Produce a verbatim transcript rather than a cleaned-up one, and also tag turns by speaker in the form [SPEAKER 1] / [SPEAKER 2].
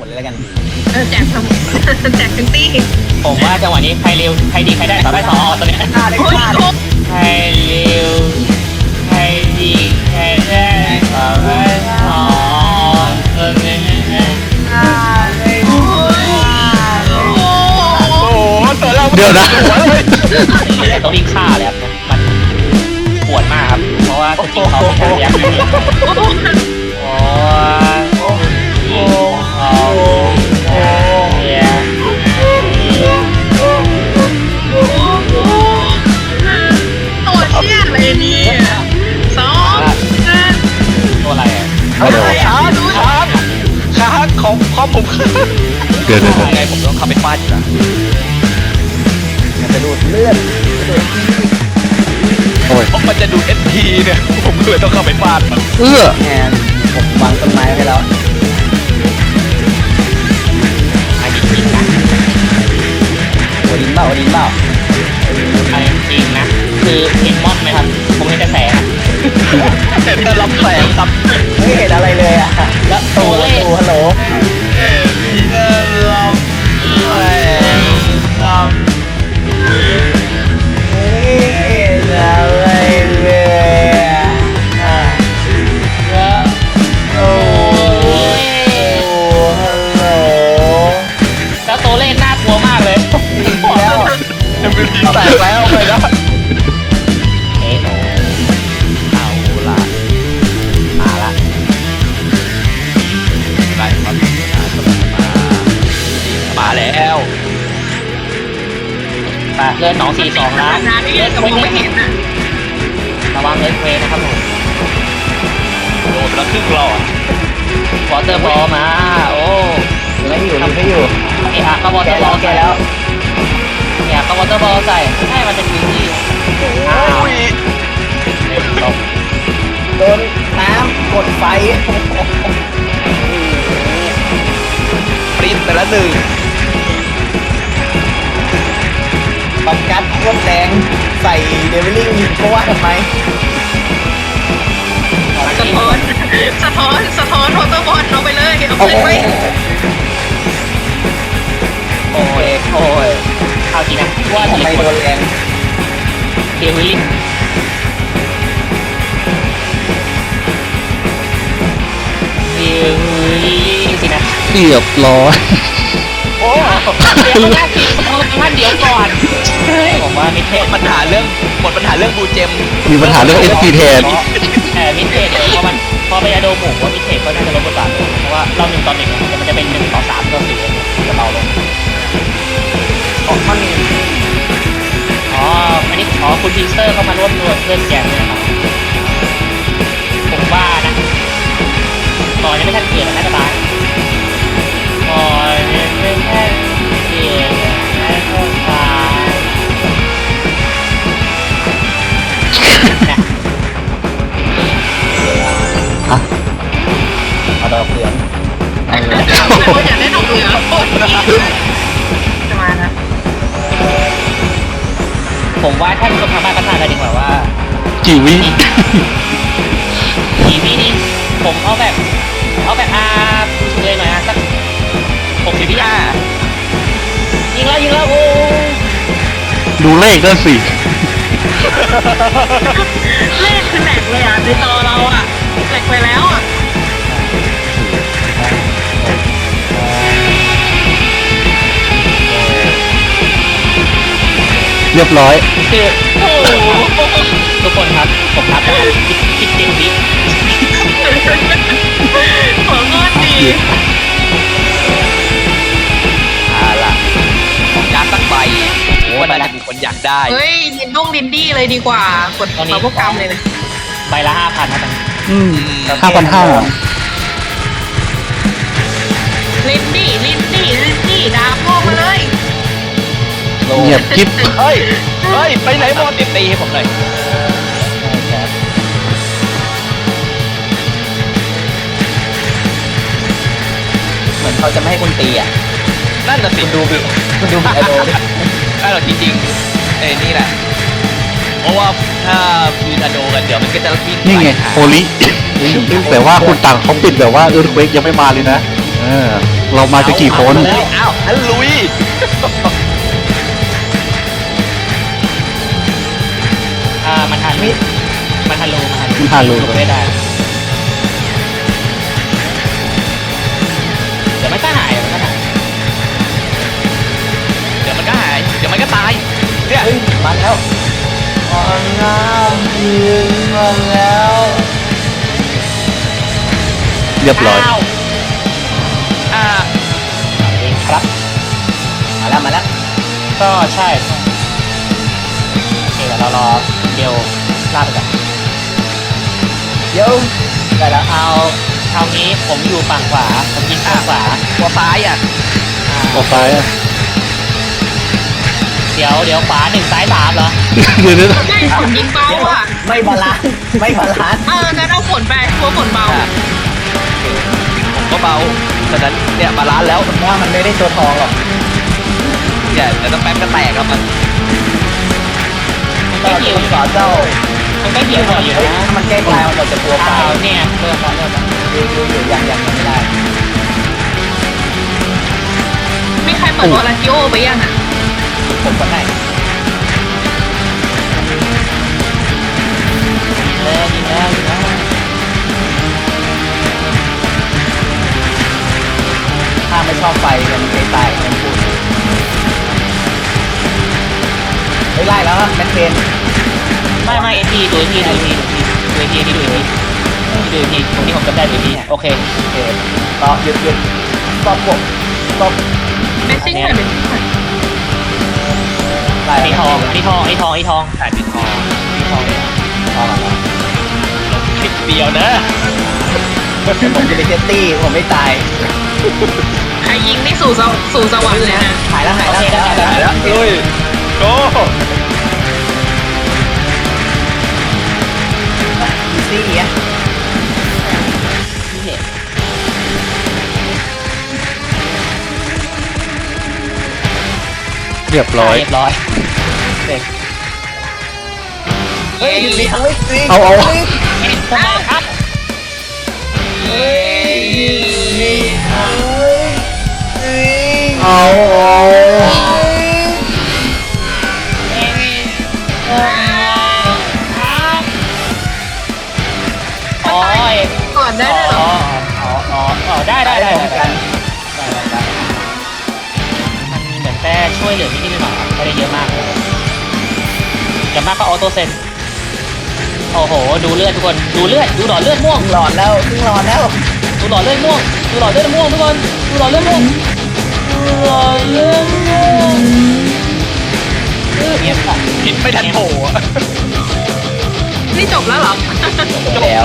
[SPEAKER 1] มดเลยแล้วกัน
[SPEAKER 2] เออแจกทั้งแจกทั้งตี้
[SPEAKER 3] ผมว่าจังหวะนี้ใครเร็วใครดีใครได้ต่อได้ต่อตัวเนี้ยใครเร็วใครดีใครได้ต่อได้ต่อตัวเนี้ย
[SPEAKER 4] โอ้โหตัวเรา
[SPEAKER 5] เดี๋ยวนะ
[SPEAKER 3] ต้องรีบฆ่าเลยครับมันปวดมากครับเพราะว่าสกิลเขาเป็นการเลี้ยงโอ้ยโอ้โห
[SPEAKER 2] ตัวเชี่ยอะไรนี่สอง
[SPEAKER 3] ตัวอะไรอ่ะ
[SPEAKER 5] ฮัลโหล
[SPEAKER 4] ช้าดูช้าช้าของของผม
[SPEAKER 5] เกิดอะไร
[SPEAKER 4] ไงผมต้องเข้าไปฟาดอยู่นะ
[SPEAKER 1] มันจะดูดเลือดจะดูด
[SPEAKER 5] โอ้ย
[SPEAKER 4] เพราะมันจะดูเอสพีเนี่ยผมเลยต้องเข้าไปฟาดมัน
[SPEAKER 5] เอื้อ
[SPEAKER 1] แงนผมวางต้นไม้ไว้แล้ว
[SPEAKER 3] อันนี้จริงนะ
[SPEAKER 1] โอดินเปล่าโอดินเปล่า
[SPEAKER 3] อันนี้จริงนะคือเห็นมอนไหมครับผมเห็นแต่แสง
[SPEAKER 4] เห็นแต่ลำแสงครับ
[SPEAKER 1] ไม่เห็นอะไรเลยอ่ะ
[SPEAKER 3] แล้วตั
[SPEAKER 1] ตู
[SPEAKER 3] วเลข
[SPEAKER 1] ตูฮัลโหล
[SPEAKER 4] เห็นแต่ลำแสงครับ
[SPEAKER 1] ไม่เห็นอะไรเลยอ่ะ
[SPEAKER 3] แล้วโอ้ย
[SPEAKER 1] โอ้ฮัลโหล
[SPEAKER 3] แล้วตัวเลขน่ากลัวมากเลย
[SPEAKER 1] แล้ว
[SPEAKER 4] เอ็มวีพีแตกแล้วไปแล้ว
[SPEAKER 3] เอ๊ะ
[SPEAKER 4] เอาล่ะ
[SPEAKER 3] มาละ
[SPEAKER 4] ได้ครับมามาแล้ว
[SPEAKER 3] ไปเลื่อนสองสี่สองล้าน
[SPEAKER 2] นานนี่ก็มองไม่เห็นอ่ะ
[SPEAKER 3] ระวังเลิร์เวย์นะครับผม
[SPEAKER 4] โดนไปแล้วครึ่งหลอด
[SPEAKER 3] วอเตอร์บอลมาโอ้
[SPEAKER 1] ไม่อยู่ทำไม่อยู่
[SPEAKER 3] เอะอะก็วอเต
[SPEAKER 1] แก
[SPEAKER 3] อร์บ
[SPEAKER 1] แล้
[SPEAKER 3] อ
[SPEAKER 1] ว
[SPEAKER 3] ล
[SPEAKER 1] แก
[SPEAKER 3] ใส่
[SPEAKER 1] แล้ว
[SPEAKER 3] เนี่ยก็วอเตอร์บอลใส่ให้มันจะคิวที่อ้าว
[SPEAKER 4] อุ้ย
[SPEAKER 3] ตก
[SPEAKER 1] โดนน้ำกดไฟ
[SPEAKER 4] ปริ้นไปแล้วหนึ่ง
[SPEAKER 1] ปักกัดโคตรแดงใส่เดวิลลิ่งเพราะว่าทำไม
[SPEAKER 2] สะท้อนสะท้อนสะท้อนโรเตอร์บอลเอาไปเลยเอา
[SPEAKER 1] โอ้
[SPEAKER 2] ไป
[SPEAKER 1] โห
[SPEAKER 2] ไว้
[SPEAKER 3] โอ้ยโอ้ยเอาจริงนะว่า
[SPEAKER 1] ทำ
[SPEAKER 3] ที
[SPEAKER 1] ไม
[SPEAKER 3] ม
[SPEAKER 1] โดนแรง
[SPEAKER 3] เดวิลลิงเดวิลลิงสินะ
[SPEAKER 5] เรียบร้อย
[SPEAKER 3] โอ้เดี๋ยวแรกทีมท่านเดี๋ยวก่อนผมว่ามิเทส
[SPEAKER 4] ปัญหาเรื่องหมดปัญหาเรื่องบูเจม
[SPEAKER 5] มีปัญหาเรื่อง เอส พี แทน
[SPEAKER 3] เออมิเทสเนี่ยเพราะมันพอไปอาโดหมูว่ามิเทสก็น่าจะลดบทบาทลงเพราะว่าเราหนึ่งต่อหนึ่งเนี่ยมันจะเป็นหนึ่งต่อสามต่อสี่จะเบาลง
[SPEAKER 1] ออกข้อนี้
[SPEAKER 3] อ๋ออันนี้อ๋อคุณพีสเตอร์เข้ามาร่วมด้วยเพื่อนแกมเนี่ยครับผมว่านะตอนนี้ไม่ทันเกียรติน่าจะตายตอนนี้ไม่ทันเกียรติน่าจะตายนะ
[SPEAKER 1] เอาดอกเหลือง
[SPEAKER 2] คนอยากได้ดอกเหลืองโคตรดีจะมานะ
[SPEAKER 3] ผมว่าท่านผู้ชมทางบ้านก็ทราบกันดีกว่าว่า
[SPEAKER 5] กี่วิ
[SPEAKER 3] ทีวีนี่ผมเอาแบบเอาแบบอาเลยหน่อยอ่ะสักหกสิบวิอ่ะยิงแล้วยิงแล้วโอ้
[SPEAKER 5] ดูเลขด้วยสิ
[SPEAKER 2] เลขคือแหลกเลยอ่ะในจอเราอ่ะแหลกไปแล้วอ่ะ
[SPEAKER 5] เรียบร้อย
[SPEAKER 3] คือโอ้ทุกคนครับผมนับได้คิดคิดเจ็ดวิ
[SPEAKER 2] หัวงอดดี
[SPEAKER 4] เอาล่ะยาสักใบว่าน่าจะมีคนอยากได้
[SPEAKER 2] เฮ้ยดินดุ้งดินดี้เลยดีกว่ากดมาพวกกรรมเลยนะ
[SPEAKER 3] ใบละห้าพันนะ
[SPEAKER 5] อืมห้าพันห้า
[SPEAKER 2] ลินดี้ลินดี้ลินดี้ดาบโง่มาเลย
[SPEAKER 5] เงียบกิ๊บ
[SPEAKER 4] เฮ้ยเฮ้ยไปไหนหมดตีตีให้ผมหน่อย
[SPEAKER 1] เหมือนเขาจะไม่ให้คุณตีอ่ะ
[SPEAKER 4] นั่นน่ะสิ
[SPEAKER 1] คุณดูบิคุณดูบิไอโดดิ
[SPEAKER 4] นั่นแหละจริงๆเอ้ยนี่แหละเพราะว่าถ้ามีธโดกันเดี๋ยวมันก็จะวิ่ง
[SPEAKER 5] นี่ไง
[SPEAKER 4] ปหา
[SPEAKER 5] โฮลิแต่ว่าคุณต่างเขาปิดแบบว่าเอิร์ธเควกยังไม่มาเลยนะเออเรามาจะกี่คน
[SPEAKER 4] เลยอ้าวอันลุย
[SPEAKER 3] อ่ามันทันมิดมันทันโลมันทัน
[SPEAKER 5] มันทันโล
[SPEAKER 3] หลบไม่ได้เดี๋ยวมันก็หายเดี๋ยวมันก็หาย
[SPEAKER 4] เดี๋ยวมันก็หายเดี๋ยวมันก็ตายเนี่ย
[SPEAKER 1] เฮ้ยมาแล้วออนน้ำยืนมาแล้ว
[SPEAKER 5] เรียบร้อย
[SPEAKER 3] าว
[SPEAKER 4] อ่า
[SPEAKER 3] เองครับ
[SPEAKER 1] มาแล้วมาแล้ว
[SPEAKER 3] ก็ใช่โอเคเดี๋ยวเรารอเดียวลากไปก่อน
[SPEAKER 1] เดี๋ยวได้แล้ว
[SPEAKER 3] เอาเอางี้ผมอยู่ฝั่งขวาผมยิงฝั่งขวา
[SPEAKER 4] ตัวซ้ายอ่ะ
[SPEAKER 3] อ่า
[SPEAKER 5] ออกไปอะ
[SPEAKER 3] เดี๋ยวเดี๋ยวขวาหนึ่งซ้ายสามเหรอ
[SPEAKER 5] เดี๋ยวเดี๋ยว
[SPEAKER 2] ใช่ฝนยิงเบาอ่ะ
[SPEAKER 1] ไม่บาลานซ์ไม่บาลานซ์
[SPEAKER 2] เอองั้นเอาฝนไปกลัวฝนเบา
[SPEAKER 4] ผมก็เบาฉะนั้นเนี่ยบาลานซ์แล้ว
[SPEAKER 1] ผมว่ามันไม่ได้ตัวทองหรอก
[SPEAKER 4] เนี่ยเดี๋ยวต้องแป๊บก็แตกครับมัน
[SPEAKER 3] มัน
[SPEAKER 1] ก็
[SPEAKER 3] ก็
[SPEAKER 1] จะ
[SPEAKER 3] หิว
[SPEAKER 1] มาสอนเจ้า
[SPEAKER 3] มันก็หิวหน่อยอยู่
[SPEAKER 1] เฮ้ย
[SPEAKER 3] นะ
[SPEAKER 1] ถ้ามันแก้กลายมันก็จะกลัวไป
[SPEAKER 3] เอาเนี่ยเริ่มแล้วเริ่มแล้ว
[SPEAKER 1] อยู่อยู่อยู่ยังยังยังไม่ได้
[SPEAKER 2] ไม่ใครเปิดวอลลันติโอไปยังอ่ะ
[SPEAKER 1] ผมก็ได้
[SPEAKER 3] ยิงแล้วยิงแล้วยิงแล้ว
[SPEAKER 1] ถ้าไม่ชอบไฟมันไม่ตายมันพูดเฮ้ยไล่แล้วอะแมทเทน
[SPEAKER 3] ไม่ไม่เอ็นทีดูเอ็นทีดูเอ็นทีดูเอ็นทีดูเอ็นทีดูเอ็นทีดูเอ็นทีตรงนี้ผมจำได้ดูเอ็นทีโอเค
[SPEAKER 1] โอเคต่อหยุดหยุดตบผมตบ
[SPEAKER 2] เมสซิ่งหน่อยเมสซิ่งหน่อย
[SPEAKER 1] ไล่
[SPEAKER 3] อันนี้ทองอันนี้ทองอันนี้ทองอันนี้ทอง
[SPEAKER 4] ถ่ายปิดคอ
[SPEAKER 3] อันนี้ทองเลย
[SPEAKER 1] ทองแล้ว
[SPEAKER 4] ปิดเดียวนะ
[SPEAKER 1] ผมจะไปเซตตี้ผมไม่ตาย
[SPEAKER 2] ใครยิงนี่สู่สวสู่สวรรค์เลยนะ
[SPEAKER 1] หายแล้วหายแล้วหายแล้ว
[SPEAKER 4] ถ่ายแล้วลุยโก้
[SPEAKER 1] อีซี่อ่ะ
[SPEAKER 3] นี่เนี่ย
[SPEAKER 5] เรียบร้อย
[SPEAKER 3] เรียบร้อยเสร็จ
[SPEAKER 1] เฮ้ยมีทั้งไม่ซี
[SPEAKER 5] เอาเอา
[SPEAKER 3] เอ๊ะทำไมครับ
[SPEAKER 1] เฮ้ยมีทั้งซี
[SPEAKER 5] เอาเอา
[SPEAKER 3] เอ๊ะเอ่อครับโอ้ย
[SPEAKER 2] ก่อนได้ด้วยเหร
[SPEAKER 3] อ๋
[SPEAKER 2] อ
[SPEAKER 3] ออ๋ออ๋ออ๋อได้ได้ได้
[SPEAKER 1] พร้อม
[SPEAKER 3] ได้
[SPEAKER 1] กัน
[SPEAKER 3] มันเหมือนแต่ช่วยเหลือนิดๆหน่อยๆไม่ได้เยอะมากอย่างมากก็ออโต้เซนโอ้โหดูเลือดทุกคนดูเลือดดูหลอดเลือดม่วง
[SPEAKER 1] หลอดแล้วครึ่งหลอดแล้ว
[SPEAKER 3] ดูหลอดเลือดม่วงดูหลอดเลือดม่วงทุกคนดูหลอดเลือดม่วงดูหลอดเลือดม่วงเงียบค่ะ
[SPEAKER 4] กินไม่ทันโผล่อะ
[SPEAKER 2] นี่จบแล้วเหรอ
[SPEAKER 1] จบแล้ว